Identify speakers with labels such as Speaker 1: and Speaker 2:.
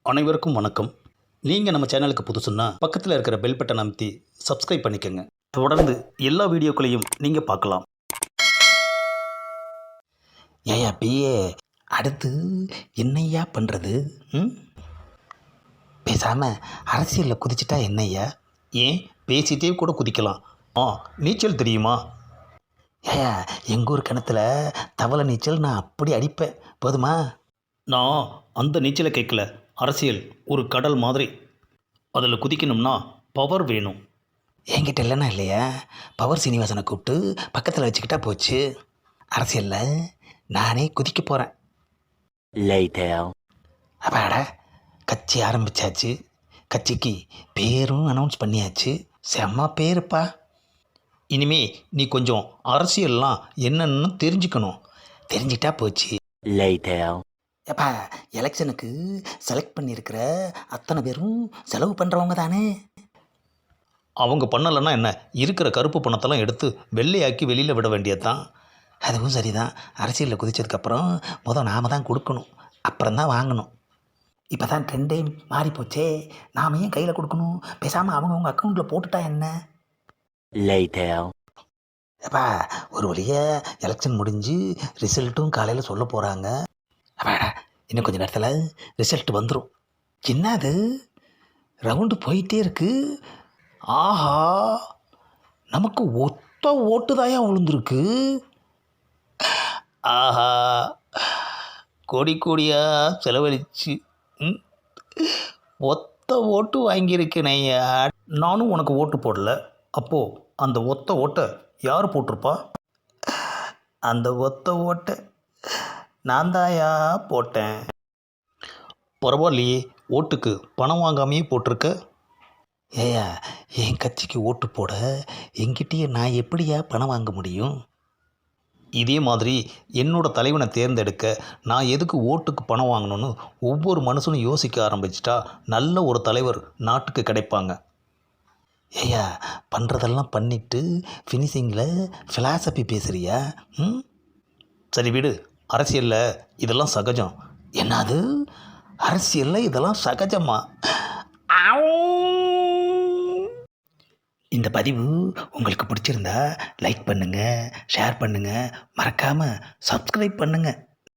Speaker 1: அனைவருக்கும் வணக்கம். நீங்கள் நம்ம சேனலுக்கு புதுசுன்னா பக்கத்தில் இருக்கிற பெல் பட்டனை அமைத்தி சப்ஸ்கிரைப் பண்ணிக்கோங்க. தொடர்ந்து எல்லா வீடியோக்களையும் நீங்கள் பார்க்கலாம். ஏயா பிஏ, அடுத்து என்னையா பண்ணுறது? ம் பேசாமல் அரசியலில் குதிச்சிட்டா என்னய்யா? ஏன் பேசிகிட்டே கூட குதிக்கலாம். நீச்சல் தெரியுமா? ஏயா எங்கள் ஊர் கிணத்துல தவளை நீச்சல் நான் அப்படி அடிப்பேன், போதுமா? நான் அந்த நீச்சலை கேட்கல. அரசியல் ஒரு கடல் மாதிரி. அதில் குதிக்கணும்னா பவர் வேணும். என்கிட்ட இல்லைன்னா இல்லையா, பவர் சீனிவாசனை கூப்பிட்டு பக்கத்தில் வச்சுக்கிட்டா போச்சு. அரசியலில் நானே குதிக்க போகிறேன். அப்பாடா, கட்சி ஆரம்பித்தாச்சு. கட்சிக்கு பேரும் அனௌன்ஸ் பண்ணியாச்சு. செம்ம பேருப்பா. இனிமே நீ கொஞ்சம் அரசியல்லாம் என்னன்னு தெரிஞ்சுக்கணும். தெரிஞ்சிட்டா போச்சு. ஏப்பா, எலெக்ஷனுக்கு செலக்ட் பண்ணியிருக்கிற அத்தனை பேரும் செலவு பண்ணுறவங்க தானே. அவங்க பண்ணலைன்னா என்ன, இருக்கிற கருப்பு பணத்தெல்லாம் எடுத்து வெள்ளையாக்கி வெளியில் விட வேண்டியது தான். அதுவும் சரிதான். அரசியலில் குதித்ததுக்கப்புறம் நாம் தான் கொடுக்கணும், அப்புறம் தான் வாங்கணும். இப்போ தான் ட்ரெண்டே மாறி போச்சே, நாம் ஏன் கையில் கொடுக்கணும்? பேசாமல் அவங்க அக்கௌண்ட்டில் போட்டுட்டா என்ன? அப்பா, ஒரு வழியாக எலெக்ஷன் முடிஞ்சு ரிசல்ட்டும் காலையில் சொல்ல போகிறாங்க. அப்பாடா, இன்னும் கொஞ்சம் நேரத்தில் ரிசல்ட் வந்துடும். என்னது ரவுண்டு போயிட்டே இருக்கு. ஆஹா, நமக்கு ஒத்த ஓட்டு தாயா விழுந்துருக்கு. ஆஹா, கோடி கோடியாக செலவழிச்சு ஒத்த ஓட்டு வாங்கியிருக்கேனையா. நானும் உனக்கு ஓட்டு போடல. அப்போது அந்த ஒத்த ஓட்டை யார் போட்டிருப்பா? அந்த ஒத்த ஓட்டை நான் தாயா போட்டேன். பரவாயில்லையே, ஓட்டுக்கு பணம் வாங்காமையே போட்டிருக்க. ஏயா, என் கட்சிக்கு ஓட்டு போட என்கிட்டயே நான் எப்படியா பணம் வாங்க முடியும்? இதே மாதிரி என்னோட தலைவனை தேர்ந்தெடுக்க நான் எதுக்கு ஓட்டுக்கு பணம் வாங்கணும்னு ஒவ்வொரு மனுஷனும் யோசிக்க ஆரம்பிச்சிட்டா நல்ல ஒரு தலைவர் நாட்டுக்கு கிடைப்பாங்க. ஏயா, பண்ணுறதெல்லாம் பண்ணிவிட்டு ஃபினிஷிங்கில் ஃபிலாசபி பேசுகிறியா? சரி விடு, அரசியலில் இதெல்லாம் சகஜம். என்னது, அரசியலில் இதெல்லாம் சகஜமா? இந்த பதிவு உங்களுக்கு பிடிச்சிருந்தா லைக் பண்ணுங்கள், ஷேர் பண்ணுங்கள், மறக்காமல் சப்ஸ்கிரைப் பண்ணுங்கள்.